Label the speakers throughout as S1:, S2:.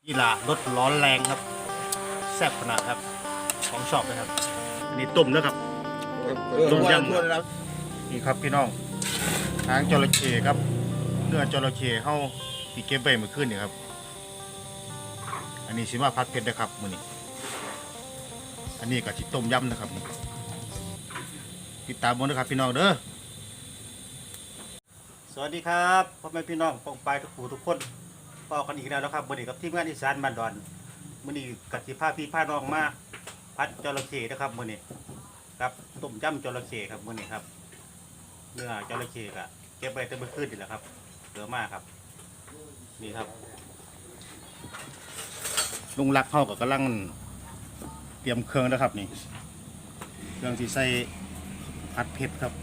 S1: กีฬารถร้อนแรงครับแซ่บขนาดครับของชอบเลยครับอันนี้ต้มแล้วครับต้มยำนี่ครับพี่น้องหางจระเข้ครับเนื้อจระเข้เข้าที่เก็บไว้เมื่อคืนนี่ครับอันนี้สิมาพัดเผ็ดนะครับมื้อนี้อันนี้ก็สิต้มยำนะครับติดตามบนนะครับพี่น้องเด้อสวัสดีครับพ่อแม่พี่น้องปองปายทุกผู้ทุกคนพอกันอีกแล้วนะครับมื้อนี้กับทีมงานอีสานบ้านดอนมื้อนี้กับสิพาพี่พาน้องมาพัดจระเข้นะครับมื้อนี้ครับต้มยำจระเข้ครับมื้อนี้ครับเนื้อจระเข้ก็เก็บไว้แต่เมื่อคืนนี่แหละครับเหลือมากครับนี่ครับลุงรักเข้ากับกำลังเตรียมเครื่องนะครับนี่เครื่องที่ใส่ผัดเผ็ดครับ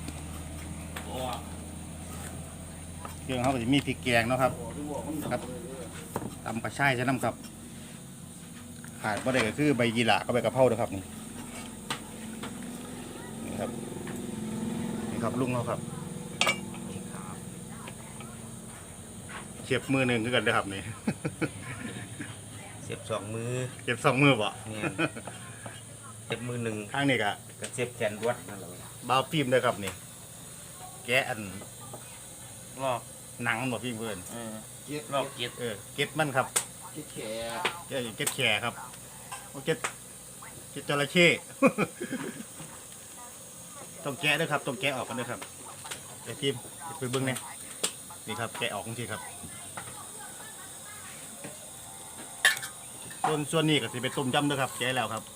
S1: เครื่องเขาก็จะมีพริกแกงเนาะครับครับตำกระชายใช่น้ำครับขาดบ่ได้ก็คือใบยีหร่าก็ใบกระเพรานะครับนี่ครับนี่ครับลุงเขาครับเฉียบมือหนึ่งคือกันนะครับนี่
S2: เสียบสองมือ
S1: เก็บสองมือบ่
S2: เนี่ยเสียบมือหนึ่ง
S1: ข้างนี้ก็
S2: กับเสียบแขนรวดนั่นแหละ
S1: บาวฟิล์มเลยครับนี่แกะอันลอกหนังหมดพี่เพื่อน
S2: ลอกเกียด
S1: เก็ดมันครับ
S2: เกียดแข
S1: เก็ดแขครับโอเก็ดจระเข้ ต้องแกะด้วยครับต้องแกะออกกันด้วยครับไอ้ทีมไปเบิ้งเนี่ยนี่ครับแกะออกจริงๆครับส่วนนี้ก็สิเป็นต้มยำด้วยครับแกะแล้วครับ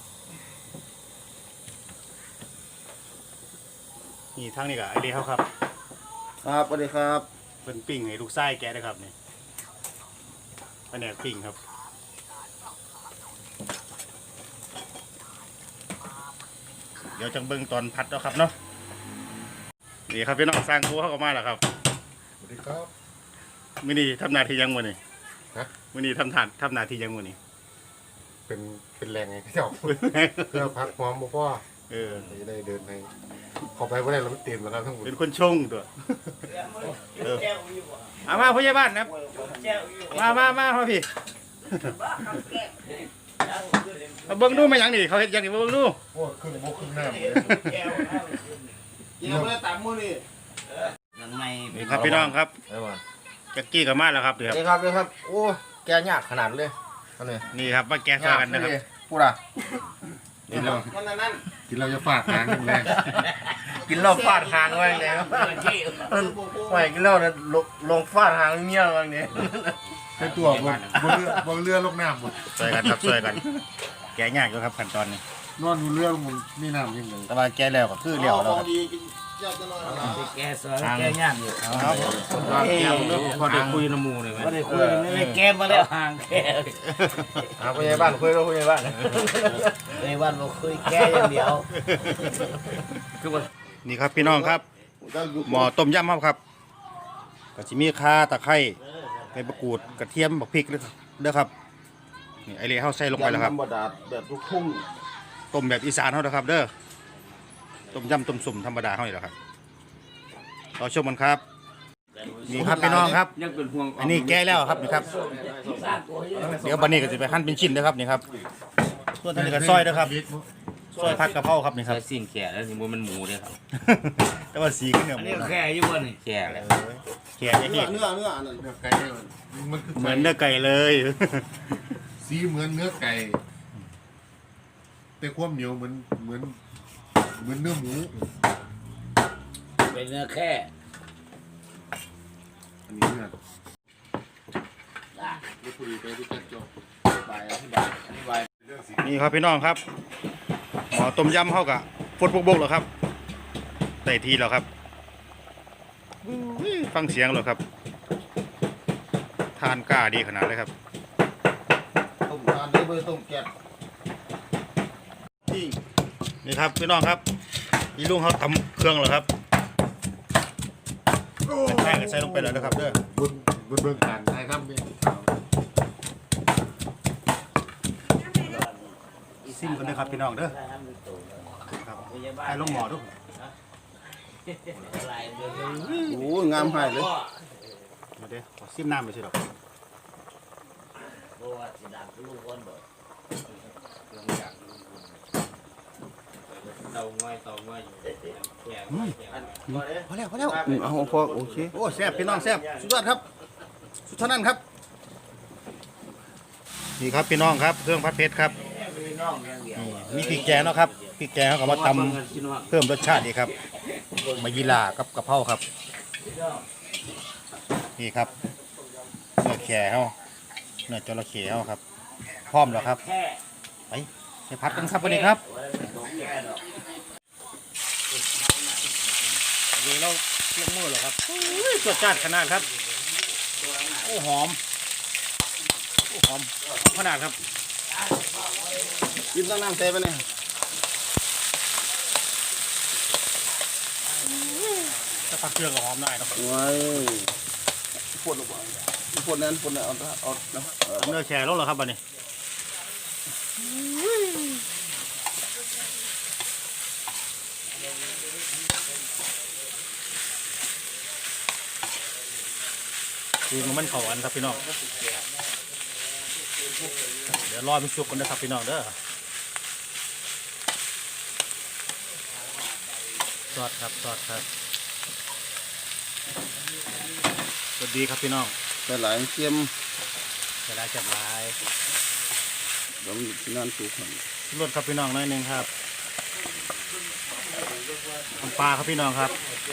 S1: นี่ทั้งนี้ก็ไอเดียเขาครับ
S2: ครับสวัสดีครับ
S1: เป็นปิ้งให้ลูกไส้แกะนะครับนี่แผนกปิ้งครับเดี๋ยวจังเบิ้งตอนพัดแล้วครับเนาะนี่ครับพี่น้องสร้างครัวเข้ามาแล้วครับ
S3: สวัสดีครับ
S1: มื้อนี้ทำหนาทียังมื้อนี้
S3: ฮะ
S1: มื้อนี้ทำหนาทียังมื้อนี้
S3: เป็นแรงไงเจ้า เพื่อพักพร้อมบ่พ่อ จะได้เดินไปขอไปว่าได้เราไม่เตรียมแล้วครับทั้งหมด
S1: เป็นคนชงตัวเอามาผู้ใหญ่บ้านนะครับมาพี่มาเบิ่งดูมาหยังนี่เขาเฮ็ดหยังนี่มาเบิ่งดู
S3: โอ้ครึ่งโมครึ่งหน้าหมดเลย
S2: กินแล้วไม่ได้ตามมือนี่ยังไง
S1: นี่ครับพี่น้องครับ
S3: ไอ้บ้าน
S1: แจ็คกี้กับมาแล้วครับเดี๋ยว
S2: นี่ครับนี่ครับโอ้แกยากขนาดเลยอันนี้
S1: นี่ครับมาแกะซอยกันนะครับ
S2: พูดอ่ะ
S3: กินเรา
S2: นั่น
S3: กินเราจะฟาดหางแรง
S2: กินเหล้าฟาดหางไว้เลยครับไม่กินเหล้าเนี่ยลงฟาดหางเมียไว้เนี่ย
S3: ใช้ตัวบนเรือลงน้ำหมด
S1: ซอยกันครับซอยกัน แกะยากอยู่ครับขั้นตอนนี้
S3: นอนบนเรือมันมีน้ำยิ่งเลย
S1: แต่ว่าแกะแล้วก็คือเลี้ยวแล้วครับ
S2: แกซอยแกยากอยู่
S1: เอาครับ
S2: พอได้คุยน้ำมูเลยไหมพอได้คุยไม่แกมาแล้วห่างแกผู้ใหญ่บ้านคุยแล้วผู้ใหญ่บ้านผู้ใหญ่บ้านบอกคุยแกอย่างเดียวคือว่า
S1: นี่ครับพี่น้องครับหม้อต้มยำครับก็จะมีข่าตะไคร้ใบมะกรูดกระเทียมบักพริกเด้อครับนี่ไอเล่เฮาใส่ลงไปแล้วครับ
S2: ธรรมดาแบบลูกทุ่ง
S1: ต้มแบบอีสานเฮานะครับ เด้อต้มยำต้มสุ่มธรรมดาเฮานี่แหละครับรอชมกันครับนี่ครับพี่น้องครับ
S2: ยังเป็นห่วง
S1: อันนี้แก้แล้วครับนี่ครับเดี๋ยวบันนี้ก็จะไปหั่นเป็นชิ้นนะครับนี่ครับส่วนอันนี้ก็ซอยนะครับซอยผักกะเพราครับนี่ครับ
S2: ใช้สิ่งแก่แล้วนี่มันหมูเลยครับ
S1: แต่ว่าสีก็เหนียว
S2: อัน
S1: หมู
S2: นี้
S1: นะ
S2: แค่อยู่บนนี่แก่เลย
S1: แข็งอย่างนี้
S3: เนื้อไก่มัน
S1: เหมือนเนื้อไก่เลย
S3: สีเหมือนเนื้อไก่แต่ความเหนียวเหมือนเนื้อหมู
S2: เป็นเนื้อแค่
S3: อันนี้เนื้อไม่คุยไปที่จัดจบ
S2: ใบอธิบาย
S1: นี่ครับพี่น้องครับหม้อต้มยำเฮากะฟดบกๆแล้วครับได้ทีแล้วครับอุ้ยฟังเสียงแล้วครับทานกล้าดีขนาดเลยครับ
S2: ต้มทานได้เบอร์ต้มแก๊ส
S1: นี่ครับพี่น้องครับนี่ลุงเขาตำเครื่องแล้วครับแป้งก็ใส่ลงไปแล้วนะครับเด้อบ
S3: นเบื้องการใช่ครับเนี่ย
S1: ซิมกันเลยครับพี่น้องเด้อครับไอ้ลงหม้อดู
S2: โอ้งามหายเลย
S1: มาเด้อขอซิมน้ำไปสิดอก
S2: ว่าจะดังลูกคนบ่เตาง่อยแข็ง
S1: พอแล้ว
S3: เอาพอโอเค
S1: โอ้แซ่บพี่น้องแซ่บสุดยอดครับสุดเท่านั้นครับนี่ครับพี่น้องครับเครื่องผัดเผ็ดครับมีพริกแกงเนาะครับพริกแกงเขาก็มาตำเพิ่มรสชาติดีครับมายีรากับกะเพราครับนี่ครับเนื้อแขวเนื้อจระเข้ครับพร้อมแล้วครับไปผัดกันครับวันนี้ครับวันนี้เราเคี่ยวมือเหรอครับรสชาติขนาดครับโอ้หอมขนาดครับ
S3: กินตั้งน้ำเต้ไปเนี่ย
S1: ถ้าผักเครื่องก็หอมได้ครับ
S3: ว้ายปวดนั้นเอา
S1: เนื้อแช่ลงแล้วครับวันนี้ดูมันเข้ากันครับพี่น้องเดี๋ยวรอมันสุกกันนะครับพี่น้องเด้อซอสครับสวัสดีครับพี่น้อง
S3: แต่หลายเค็ม
S1: จะได้จับลาย
S3: แล้วนั่นสุกครับ
S1: รสครับพี่น้องน้อยหนึ่งครับน้ำปลาครับพี่น้องครับ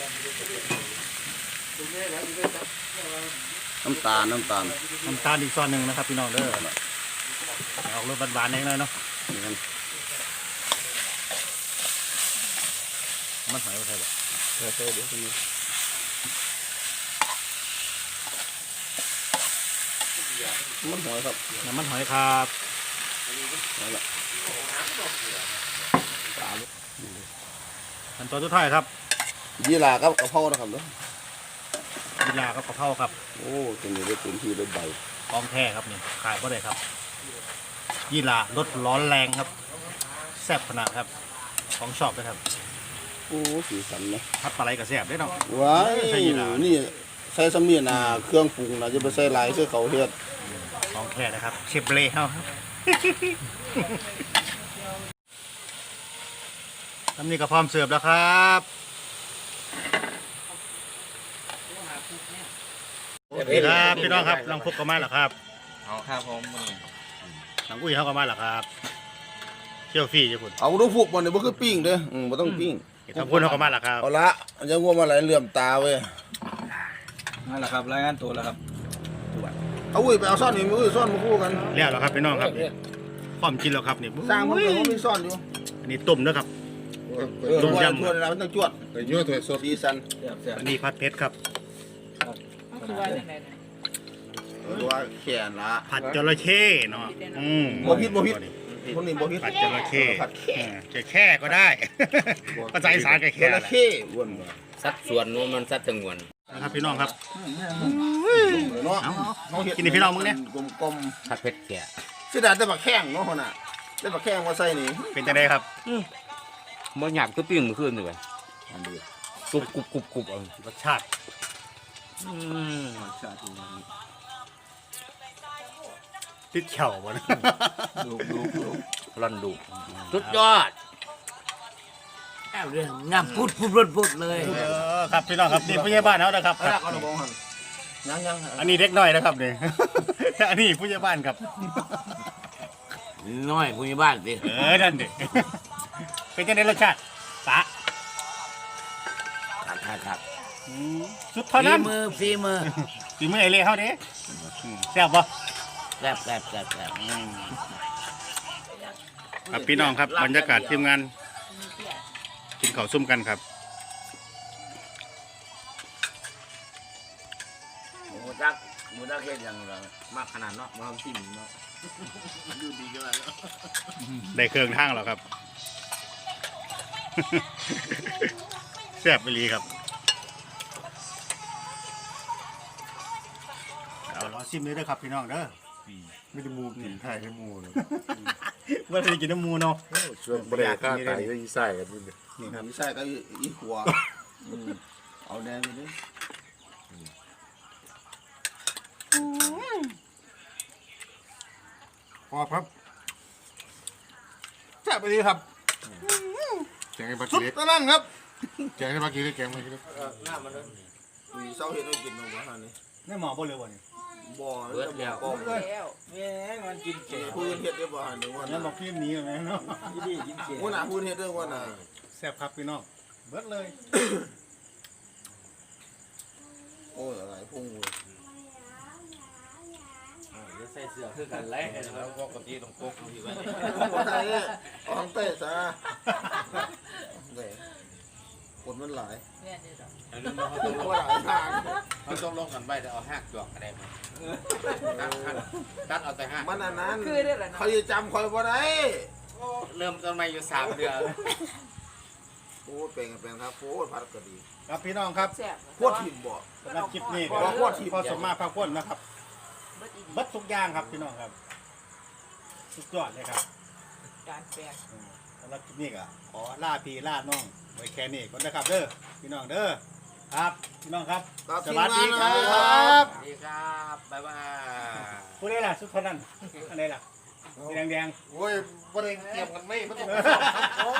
S3: น้ำตาล
S1: อีกซอนหนึ่งนะครับพี่น้องเด้อออกรสหวานๆนิดหน่อยเนาะมันหอยว่าใช่ปะ
S3: ใช่เดี๋ยวนี้มันหอยครับ
S1: น้ำมันหอยครับขั้นตอนสุดท้ายครับ
S3: ยีราครับกะเพรานะครับเนาะ
S1: ยีราครับกะเพราครับ
S3: โอ้ตัวนี้ได้เป็นที่ได้ใบ
S1: กองแท้ครับนี่ขายก็ได้ครับยีรารสร้อนแรงครับแซ่บขนาดครับของชอบเลยครับ
S3: โอ้สีสันนะ
S1: พัดปลาไหลกับแซ่บได้เนาะ
S3: ว้าย
S1: ใส่ยีรา
S3: นี่ใส่สำเนียงเครื่องปรุงนะจะไปใส่ลายใส่เขาเฮ็ด
S1: ของแท้นะครับเชฟเล่ครับทำนี่ก็พร้อมเสิร์ฟแล้วครับโอเคครับพี่น้องครับลังพุกก็มาแล้วครับ
S2: เอาครับผม
S1: หลังอุ้ยเขาก็มาแล้วครับเที่ยวฟรีจ้ะคุณ
S3: เอาดูฟุกมันเนี่ยบ่คือปิ้งเด้อบ่ต้องปิ้ง
S1: ทำคุณเขาก็มาแล้วครับ
S3: เอาละอันจะง่วงมาไหลเหลื่อมตาเว้ย
S2: นั่นแหละครับรายงานตัวแล้วครับ
S3: เอาอุ้ยไปเอาซ่อนนี่มือซ่อนมาคู่กัน
S1: แล้วเหรอครับพี่น้องครับพร้อมกินแล้วครับนี่
S3: สร้างมันก็มีซ่อนอยู่
S1: อันนี้ต้มนะครับ
S3: ต้มยำทั่วเลยนะมันต้องจวดไปยั่วถั่วสดสีสัน
S1: อันนี้ผัดเผ็ดครับ
S3: ว่าแขนละ
S1: ผัดจระเข้เนาะ
S3: บ่ผิดคนนี้บ่ผิด
S1: ผัดจระเข้
S3: ผัดแค่
S1: จะแค่ก็ได้ภาษาอีสานก็
S3: จ
S1: แค่
S3: ระเข้อ้วนบ่
S2: สัดส่วนนู้นมันสัดจำนวน
S1: นะครับพี่น้องครับ
S3: เนาะ
S1: กินนี่พี่น้องมึงเนี่ย
S3: กลม
S2: ผัดเพชรแก่
S3: ๆสิได้แต่บักแข้งเนาะน่ะได้บักแข้งมาใส่นี่
S1: เป็นจังไดครับ
S2: มันหยาบก็ปิ้งมือขึ้นเลยกรุบเอา
S1: รสชาติติดเข่าบ่นะ
S2: ร่อนดูสุดยอดเรื่องงามพุดเลย
S1: ครับพี่น้องครับนี่ผู้ใหญ่บ้านเขานะครับ
S3: เอาละบ่หั่นยัง
S1: อันนี้เด็กน้อยนะครับนี่ อันนี้ผู้ใหญ่บ้านครับ
S2: น้อยผู้ใหญ่บ้านสิ
S1: นั่นดิ เป็นจังไดรสชาติสะ
S2: ครับ
S1: สุดเท่านั้น
S2: ฝีมือ
S1: ฝีมือไอเล่เขาเด้แซ่บบ่
S2: แซ่บ
S1: ครับพี่น้องครับบรรยากาศทีมงานกินข้าวซุ่มกันครับ
S2: หมูจักเฮ็ดยังไงมากขนาดเนาะมาทำจิ้มเนาะดูดีกันแล้ว
S1: ได้เครื่องทางแล้วครับ แซ่บไปลีครับเอาล้อซิมเลยเด้อครับพี่น้องเด้อไม่ได้มูกินไทยไม่มูเลยว่าจะกินน้ำมูเนาะ
S3: ช่วงบ่ได้ค่าไก่ก็อีใส่กันนี่ครับอีใส่ก็อีหัวเอาแดงไปดิ
S1: พอครับแซ่บไปดีครับ
S3: แกงไอ้ปลา
S1: สุ
S3: กี
S1: ด
S3: เล็ก
S1: ตะนั่งครับ
S3: แกงไอ้ปลากีเล็กแกงไอ้ปลากีเล็ก
S2: หน้ามันเลย
S4: มีเศร้าเห็ดให้กินหนูบ้านนี่
S1: นี่หมอบ่เลยบ่นี่
S4: บ่อ
S2: เบิดแล้ว
S4: บ่อ
S5: แล้ว
S2: แม่งมันกินเจ๋ง
S4: พูดเห็ดได้บ่หันหนึ่งวัน
S1: งั้นบอกพี่หนีเลยเนาะ
S2: ยี่ดีกินเจ๋ง
S4: วันน่ะพูดเห็ดได้วันน่ะ
S1: แซ่บครับพี่น้องเบิดเลย
S4: โอ้ยอะไรพุ่งเลย
S2: จะใส่เสื้อคือกันไล่แล้วปกติต้องพกที่ไว้
S4: อะไรเนี่ยอองเต้ซะเด้คนมันหลาย
S5: แม่นี่ดอก
S2: อันนี้เขา
S4: ค
S2: ต้อน ง
S4: หลายทาง
S2: เขาต้องลงกันไปแต่เอาหักจวกอะไรมาตัดเอาแต่หัก
S4: มันอันนั้น
S5: คือได้ล่ะเนาะ
S4: เขาจะจำคอยบ่ได้
S2: เริ่มต้นมาอยู่3 เดือน
S4: โอ้เป็นครับโอ้พัดก็ดี
S1: ครับพี่น้องครับ
S5: แซ่บ
S4: พวดถิ่มบ่
S1: สำหรับคลิปนี้
S4: บ่พวดถิ่ม
S1: พอสมมาพาพ้นนะครับ
S5: เบิดอีดี
S1: เบิดทุกอย่างครับพี่น้องครับสุดยอดเลยครับ
S5: การแปลง
S1: สำหรับคลิปนี้ก็ขอล่าพี่ล่าน้องไว้แค่นี้ก่อนนะครับเด้อพี่น้องเด้อครับพี่น้องครับ
S4: ครับ
S1: สวัสดีครั
S4: ทีมงานนะ
S1: บ
S2: สวัสดีครับบ๊ายบาย
S1: ผู้ใดล่ะสุดคนนั้นอันใดล่ะสีแดง
S3: โอ้ยบ่ได้เตรียมกันไม่มันต้อง
S1: ๆ
S4: โอ้